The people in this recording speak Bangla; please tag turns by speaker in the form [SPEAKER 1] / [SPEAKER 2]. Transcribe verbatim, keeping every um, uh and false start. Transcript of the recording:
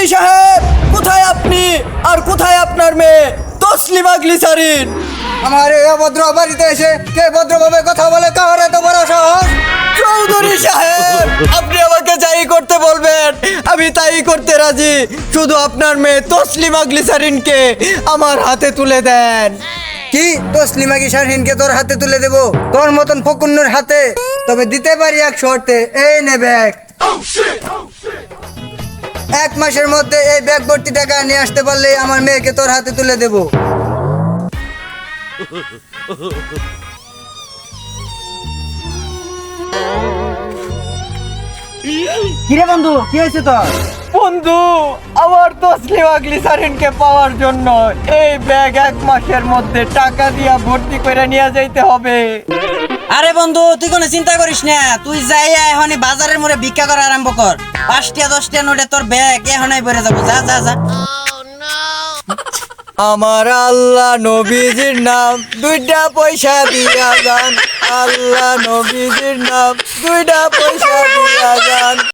[SPEAKER 1] চৌধুরী সাহেব, কোথায় আপনি আর কোথায় আপনার মেয়ে তসলিমা গ্লিসারিন?
[SPEAKER 2] আমার এই অভদ্র বাড়িতে এসে কে ভদ্রভাবে কথা বলে, কার এত বড় সাহস?
[SPEAKER 1] চৌধুরী সাহেব, আপনি আমাকে যাই করতে বলবেন আমি তাই করতে রাজি, শুধু আপনার মেয়ে তসলিমা গ্লিসারিনকে আমার হাতে তুলে দেন।
[SPEAKER 2] কি তসলিমা গ্লিসারিনকে তোর হাতে তুলে দেব? তোর মতন ফকুন্নুর হাতে? তবে দিতে পারি এক শর্তে। এই নে ব্যাগ। এক মাসের মধ্যে এই ব্যাগ ভর্তি টাকা নিয়ে আসতে পারলেই আমার মেয়েকে তোর হাতে তুলে দেব। কিরে বন্ধু, কি হয়েছে তোর?
[SPEAKER 1] বন্ধু, আমার তসলিমা গ্লিসারিনকে পাওয়ার জন্য এই ব্যাগ এক মাসের মধ্যে টাকা দিয়া ভর্তি করে নিয়ে যাইতে হবে।
[SPEAKER 3] আরে বন্ধু, তুই কোনো চিন্তা করিস না, তুই যাই এখনই বাজারের মোড়ে ভিক্ষা করা আরম্ভ কর। পাঁচটা দশটা নোটে তোর ব্যাগ এখনই ভরে যাবো। যা যা যা।
[SPEAKER 1] আমার আল্লাহ নবীজির নাম দুইটা পয়সা দিয়া যান, আল্লাহ নবীজির নাম দুইটা পয়সা দিয়া যান।